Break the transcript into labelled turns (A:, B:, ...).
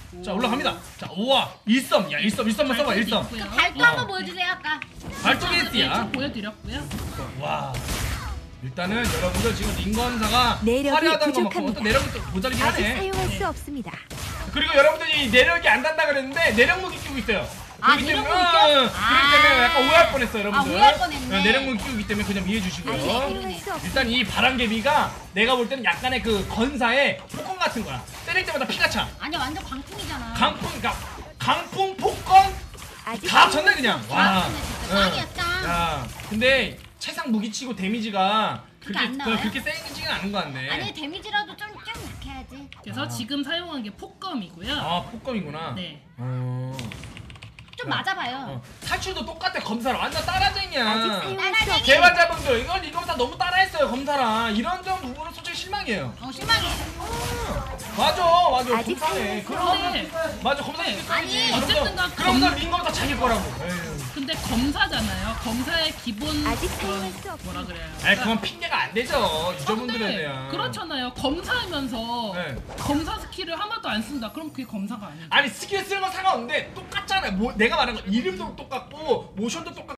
A: 자 올라갑니다. 자 우와 1썸. 야 1썸만 써봐 1썸.
B: 발도 한번 보여주세요 아까.
A: 발톱이스야.
C: 보여드렸고요.
A: 와 일단은 여러분들 지금 링건사가
D: 내력이
A: 화려하다는 것만큼
D: 부족합니다.
A: 또 내력이 또 모자르긴
D: 아직
A: 하네.
D: 사용할 수 없습니다.
A: 그리고 여러분들이 내력이 안 단다 그랬는데 내력 무기 끼고 있어요.
B: 아,
A: 그렇기
B: 내력
A: 때문에,
B: 무기 껴?
A: 그렇기 때문에 약간 오해할 뻔했어요 여러분들.
B: 오해할 뻔했네.
A: 내력 무기 끼우기 때문에 그냥 이해해
D: 아직
A: 주시고요.
D: 사용할 수 없습니다.
A: 일단 이 바람개비가 내가 볼 때는 약간의 그 건사의 폭권 같은 거야. 때릴 때마다 피가 차.
B: 아니 완전 광풍이잖아.
A: 강풍 폭권
D: 아직
A: 다
D: 사용할
A: 쳤네
D: 수
A: 그냥.
D: 없습니다.
A: 와.
B: 짱이네, 진짜. 짱이야, 짱.
A: 야, 근데 최상 무기치고 데미지가
B: 그렇게 안 나와요?
A: 그렇게 세지는 않은 것 같네.
B: 아니 데미지라도 좀 이렇게 해야지.
C: 그래서 지금 사용한 게 폭검이고요.
A: 아 폭검이구나.
C: 네.
B: 좀 맞아봐요.
A: 탈출도 똑같아. 검사랑 완전 따라쟁이야.
D: 아직 사용할 수 없습니다.
A: 개발자분들 이건 이거보다 너무 따라했어요 검사랑. 이런 점 부분은 솔직히 실망이에요.
B: 실망해.
A: 맞아
D: 아직
A: 검사네.
C: 그런데
A: 맞아 검사님
C: 네.
B: 아니,
C: 어쨌든가
A: 그러면서 링검사 자기 거라고. 에휴.
C: 근데 검사잖아요. 검사의 기본
D: 아직 사용할 수 없습니다.
C: 뭐라 그래요?
A: 아이 그건 핑계가 안 되죠 유저분들에
C: 근데
A: 대한.
C: 그렇잖아요. 검사하면서
A: 네.
C: 검사 스킬을 하나도 안 쓴다. 그럼 그게 검사가 아니죠.
A: 아니 스킬 쓰는 건 상관없는데 똑같잖아요. 뭐 내가 말한 건 이름도 똑같고 모션도 똑같고